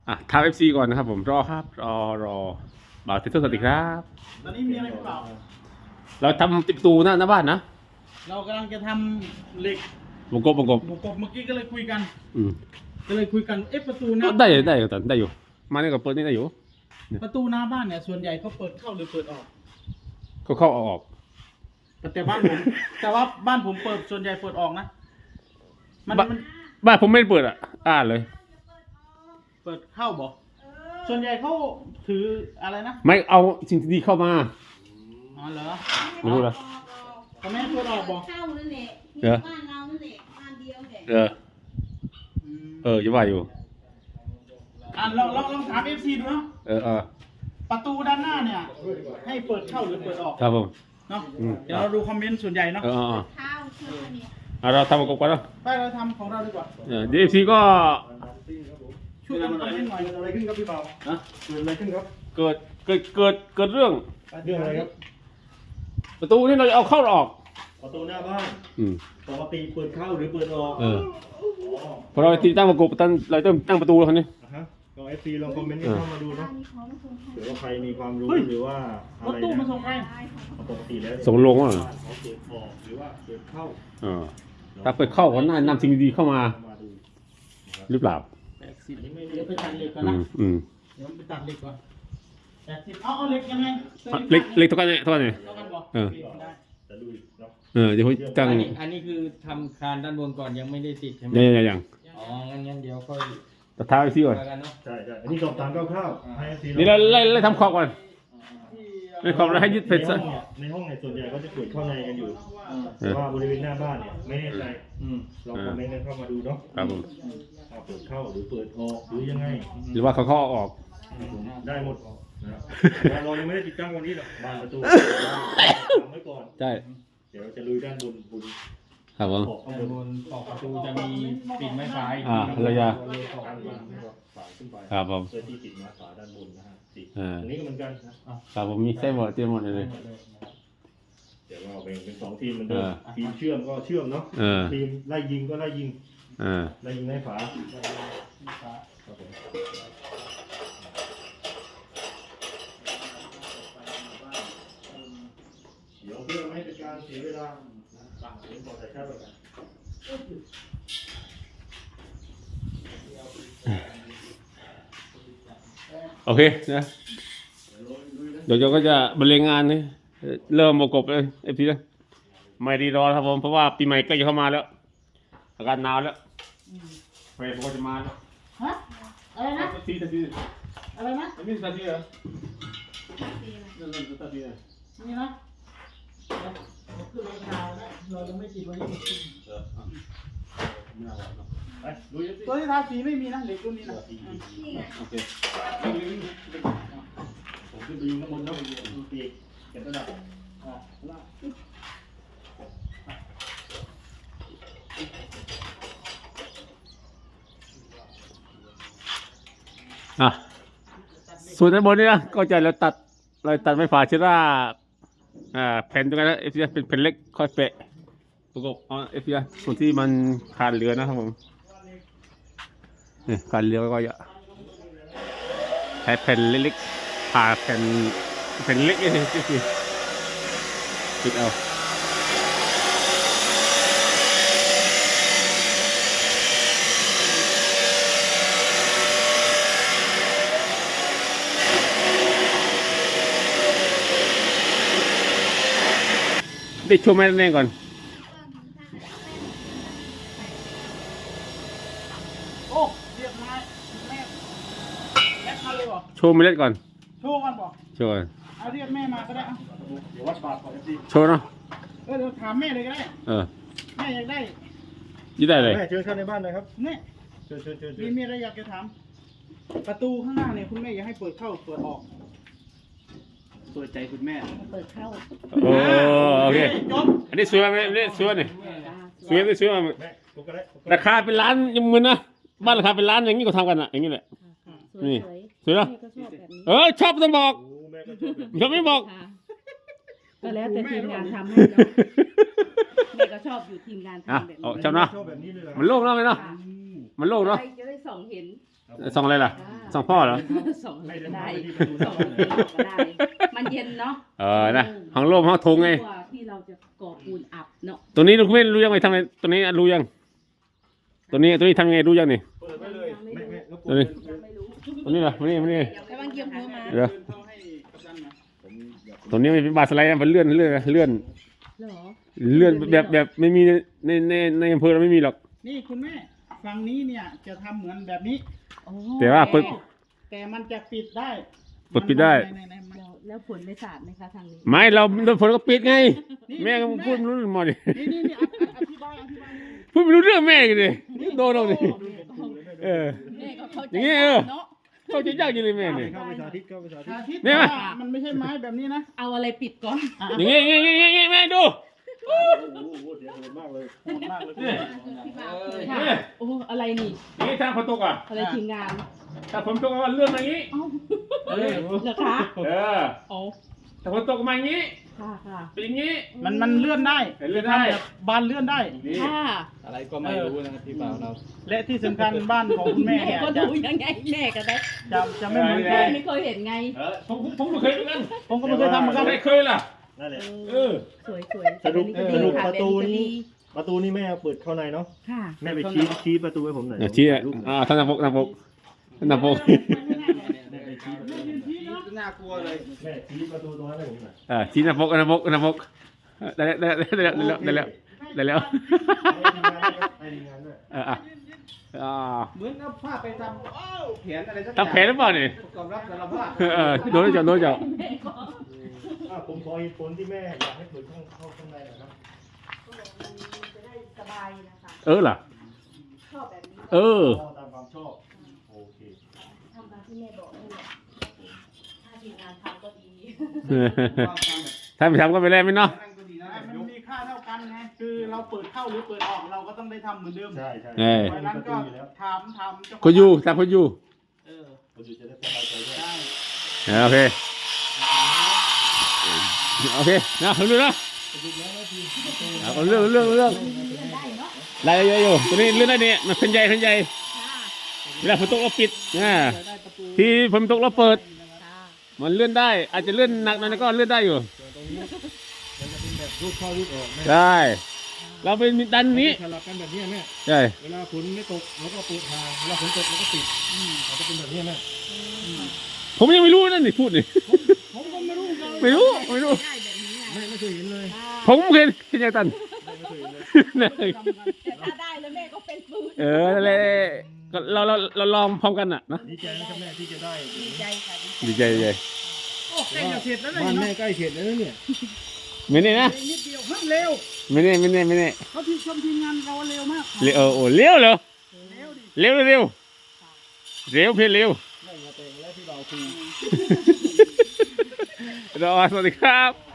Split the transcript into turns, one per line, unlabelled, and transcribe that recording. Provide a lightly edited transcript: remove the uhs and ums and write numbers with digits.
ทำFCก่อนนะครับผมรอครับรอบ่าวเทสสวัสดีครับ
ตอนนี้มีอะไรหรือเปล่า
เราทำติดประตูหน้าบ้านนะ
เรากำลังจะทำเหล็ก
วงกบ
หมูกบเมื่อกี้ก็เลยคุยกัน
อืม
ประตูห
ก็
น้า
ได้อยู่แต่ได้อยู่มาเนี่ยกับเปิดนี่ได้อยู่
ประตูหน้าบ้านเนี่ยส่วนใหญ่เขาเปิดเข้าหรือเปิดออก
ก็เข้าออก
แต่บ้านผม แต่ว่าบ้านผมเปิดส่วนใหญ่เปิดออกนะมัน
บ้านผมไม่ได้เปิดเลย
เปิดเข้าบอกส่วนใหญ่เขาถืออะไรนะ
ไม่เอาสิ่งที่ดีเข้ามา
อ๋อเหรอ
ไม่รู้ละ
เขาไม่ให้เปิดออกบอก
เข้านั่นแหละ
เออ
บ้านเรานั่นแหละบ้านเดียวแหละ
จะว่าอยู่
ลองถามFCดูเนาะ ประตูด้านหน้าเนี่ย ให้เปิดเข้าหรือเปิดออก
ครับผม
เนาะ
อืม
เดี๋ยวเราดูคอมเมนต์ส่วนใหญ่เนาะ
ข้าวเชื่อเนี่ย
เราทำวงกบก่อนเนาะ
ไปเราทำของเราดีกว่า
เดี๋ยว FC ก็
ช่วยกันคอมเมนต์หน่อย
เกิดอะไรขึ้นครับพี่เปาฮะเกิดอะไรขึ้นครับ
เกิดเรื่อง
เรื่องอะไรครับ
ประตูนี่เราจะเอาเข้าหรือออก
ประตูหน้าบ้าน
อืม
ปกติเปิดเข้าหรือเปิดออก
พอเราติดตั้งวงกบเราต้องตั้งประตูแล้วคนนี้
ฮะก็เอฟซีลองคอมเมนต์กันเข้ามาดู
บ้า
เนาะ
นนี้เขาไม่ส่งให้
หรือว่าใครมีความรู้หรือว่าอะ
รถ
ไร
ตู้มา
นะ
ส่งใคร
ปกติแล้ว
ส่งลงว่ะ
เขาเปิดออกหรือว่าเปิดเข้า
ถ้าเปิดเข้าก็น่านำสิ่งดีๆเข้ามา
มาดู
หรือเปล่า
อันนี้ไม่
เดี๋ยวไปตัดเหล็กก่อน
อื
นะ
มอืม
เดี๋ยวไปตัดเหล็กก่อนเอาเหล็กยังไง
เล็กเท่ากันเนี่ยเท่ากันเนี่ย
เท่ากันบอก
เออ
ได้
จะดูอีกเนาะ
เดี๋ยวผมตั้ง
อันนี้คือทำคานด้านบนก่อนยังไม่ได้ติดใช่ไหม
ยัง
อ๋อ งั้นเดี๋ยวค่อย
แต่ท้าไปซิก่อน
ว่ากันเนาะ
ใช่ใช่อันนี้สอบถามคร่าวๆให้เอฟซี
นี่เราไล่ทำขอบก่อนไล่ขอบแล้วให้ยึดเพชรซะ
ในห้องเนี่ยส่วนใหญ่เขาจะเปิดเข้าในกันอยู่แต่ว่าบริเวณหน้าบ้านเนี่ยไม่แน่ใจลองคอมเมนต์กันเข้ามาดูเนาะ
ครับผม
เปิดเข้าหรือเปิดออกหรือยังไง
หรือว่าเขาออก
ได้หมดนะครับเรายังไม่ได้ติดตั้งวันนี้หรอกบานประตูทำไว้ก่อน
ใช่
เดี๋ยวเราจะลุยด้านบนบน
ครับผม
ขอบข้าง
ด้าน
บบ น
นขอบประตูจะมีปิดไม้ฟ้าอีก
เราจะ
ข้างบนฝาขึ้นไป
ครับผม
เพื่อที่ติดมาฝาด้านบนนะฮะติด
อ่า
ตรงนี้ก็เหมือนกันนะครับ
ผมมีเส้นหมดเตรียมหมดเลย
เดี๋ยวเราแบ่งเป็นสองทีมเหมือนเดิม
อ่า
ทีมเชื่อมก็เชื่อมเนาะ ทีมไล่ยิงก็ไล่ยิงไล่ยิงให้ฝาครับผมเดี๋ยวเพื่อไม่ให้เป็นการเสียเวลาตั้งเสียงก่อนแต่แค่แบบนั้น
โอเคนะเดี๋ยวเราก็จะบรรเลงงานนี่เริ่มประกบเลยเอฟซีนะไม่รีรอครับผมเพราะว่าปีใหม่ใกล้จะเข้ามาแล้วอากาศหนาวแล้วไฟผมก็จะมาแล้ว
ฮะอะไรนะ
ตัดที
อะไรนะ
อันนี้ตัดทีเหรอนั่นตัดทีนะ
นี่นะคือเราข่าวนะเรายังไม่ติดวันนี้
ไม่เอาเนาะ
ไปลุยสิ
ตัวที่ทาสีไม่มีนะเหล็กรุ่นนี้นะ
โอเค
ผมขึ้นไปยิงข้างบนแล้วดูปีกเก็บระดับ
ส่วนด้านบนนี่นะก็จะเราตัดไม้ฝาเชื้อราแผ่นตรงนั้นเอฟซีเป็นแผ่นเล็กค่อยเปะประกบเอฟซีส่วนที่มันขาดเหลือนะครับผมนี่ขาดเหลือก็จะใช้แผ่นเล็กๆผ่าแผ่นเล็กนี่สิปิดเอาได้ช่วยแม่แน่ก่อน
โอ้เรียบร้อยแม่มาเลยบอก
โชว์เมล็ดก่อน
โชว์กันบอก
โชว์ก่อน
เอาเรียกแม่มาก็ได้เอา
เดี๋ยววัดบาทของเอฟซี
โชว์เนาะ
เดี๋ยวถามแม่เลยก็ได้ แม่อยากได้
ยี่ได้เลย
แม่เชิญเข้าในบ้านเลยครับ
เนี่ย
เชิญ
มีอะไรอยากจะถาม ประตูข้างหน้าเนี่ยคุณแม่อยากให้เปิดเข้าเปิดออก เปิดใจคุณแม่
เปิดเข้า
โอเค
จบ
อันนี้สวยไหมอันนี้สวยนี่สวยไหมสวยไหม
แม่กูก็ได้
ราคาเป็นล้านยังมึนนะบ้านราคาเป็นล้านอย่างนี้ก็ทำกันอ่ะอย่างนี้แหละ
สวย
นี่
ๆ
สวยเนอะ
แม่ก็ชอบแบบนี้
ชอบต้องบอก
โอ้แม่ก็ชอบแบบ
ชอบไม่บอก
ค่ะก็แล้วแต่ทีมงานทำให้เนาะแม่ก็ชอบอยู่ทีมงานทำแบบนี้
ชอบเนาะ
ชอบแบบนี้เลยเหรอ
มันโล่งเนาะไหมเนาะ
ค่ะ
มันโล่งเนาะ
ใครจะได้ส่องเห็น
ส่องอะไรล่ะส่องพ่อเหรอ
ส่ง
ไม่
ก็
ได้
ได้
ที่ประตู
ส่ง
บ้านเลย
ก็ได้ มันเย็นเนาะ
นะห้องโล่งห้องทุงไง
กว่าที่เราจะก่อปูนอับเนาะ
ตัวนี้คุณไม่รู้ยังไงทำไงตัวนี้รู้ยังตัวนี้ทำยังไงรู้ยังนี่
เปิดไว้เลยแม่รบก
ตัว
วน
นี้ตัวนี้เหรอมานี่
ระวังเกี่ยวหัวมา
เดี๋ยว
เข้าให้กัปตันหน่อย
ผมอยาก
ตัวนี้มันเป็นบาร์สไลด์นะมันเลื่อน
เหรอ
แบบไม่มีในอำเภอเราไม่มีหรอก
นี่คุณแม่ฝั่งนี้เนี่ยจะทำเหมือนแบบนี้
โอ้
แต่ว่าเปิด
แต่มันจะปิดได้
เปิดปิดได้
แล้วผลไม่สาดไหมคะทางนี้
ไม่เราฝนก็ปิดไง แม่ก็พูดไม่รู้หมดดิ
นี่อธิบาย
พูดไม่รู้เรื่องแม่กันดิโดนเราดิเออ
แม่ก็เข้าใจ
อย่างงี้เนาะ เขาจะยากจริงเลยแม่เนี่ย
เข้าไปสาธิตเข้าไปสาธิต
อาทิตย์
เนี่ย
มันไม่ใช่ไม้แบบนี้นะ
เอาอะไรปิดก่อน
อย่างงี้แม่ดู
โอ้โหเสียงโหดมากเลย
โหดมากเลย
เนี่ย
ค่ะโอ้อะไรนี่
อย่างงี้ถ้าฝนตกอ่ะ
อะไรทีมงาน
ถ้าฝนตกก็เลื่อนมาอย่างงี้
เอ้า
เออ
เหรอคะ โอ้
ถ้าฝนตกมาอย่างงี้
ค่ะค่ะ
เป็นอย่างงี้
มันเลื่อนได้
เลื่อนได้
แบบบานเลื่อนได้
นี่
ค่ะ
อะไรก็ไม่รู้นะครับพี่บ่าวเรา
และที่สำคัญบ้านของคุณแม่
แม่
เนี่ย
ก็
จะ
ดูยังไงแม่ก็ได้
จะไม่เหมือนใคร
แม่ไม่เคยเห็นไง
ผมไม่เคยเหมือนกัน
ผมก็ไม่เคยทำเหมือนกัน
ไม่เคยล่ะ
นั่นแหละ
เออ
สวยสวย
สรุป
แบบ
สรุป
ค่
ประตูนี้
แบบ
ประตูนี่แม่เอาเปิดเข้าในเนาะ
ค่ะ
แม่ไปชี้ประตูให้ผมหน่อย
ชี้
ถ่ายรูปหน่อย
ท่านนายกแม่ไปชี้
น่ากลัวเลย
แม่ชี้ประตูตรงนั้นให้ผมหน่อย
ชี้นายกได้แล้ว
ให้ทีมงานด้วย
เหมือนเอาผ้าไปทำแผนอะไรสัก
ทำแผนหรือเปล่านี่
ประกอบรับสารภาพ
โดนจับ
แม่ก็
ผมขอเหตุผลที่แม่อยากให้เปิดเข้าข้างในนะครับ
จะได้สบายนะคะ
ล่ะ
ชอบแบบนี้
ตามความชอบโอเค
ทำตามที่แม่บอกนี่แหละถ้าทีมงานทำก็ดี
ถ้าไม่ทำก็ไม่ได้ไม่เนาะ
นั่งก็ดีนะ
มันมีค่าเท่ากันไงคือเราเปิดเข้าหรือเปิดออกเราก็ต้องได้ทำเหมือนเดิม
ใช่ใช่
เพราะฉะนั้นก็ถามเจ้าของ
คนอยู่ตามคนอยู่
เออ
คนอยู่จะได้สบายใจด้วย
ได้
โอเคนะผมดูนะเอาเรื่องได้เยอะอยู่ตัวนี้เรื่องได้เนี่ยมันเป็นใหญ่เวลาฝนตกเราปิดที่ฝนตกเราเปิด มันเลื่อนได้ อาจจะเลื่อนหนักหน่อยก็เลื่อนได้อยู่
มันจะเป็นแบบรูปเข้ารูปออกแม่
ได้ เราเป็นดันนี้
สลับกันแบบนี้แม่
ใช่
เวลาฝนไม่ตกเราก็เปิดทางเวลาฝนตกเราก็ปิดมันจะเป็นแบบนี้แม่
ผมยังไม่รู้นั่นนี่พูดนี่
ผมก็ไม่รู้กัน
ไม่รู้
ได้แบบนี้ไง
ไม่เคยเห็นเลย
ผมเคยเห็นยังตัน
ไม่เคยเห็นเลย
แต่ถ้าได้แล้วแม่ก็เป็นปืน
นั่นแหละก็เราลองพร้อมกันน่ะนะ
ดีใจนะครับแม่ที่จะได้
ดีใจค่ะ
ดีใจ
โอ้ใกล้จะเสร็จแล้วเลย
บ้านแม่
เนาะ
ใกล้เสร็จแล้วเนี่ย
ไม่แน่นะ
นิดเดียวมันเร็ว
ไม่แน่
เขาที่ชมทีมงานเราเร็วมาก
เร็วเร็วเหรอ
เร็วดิ
เร็วเพียงเร็ว
แม่มาแต่งแล้วที่เราคุย
สวัสดีครับ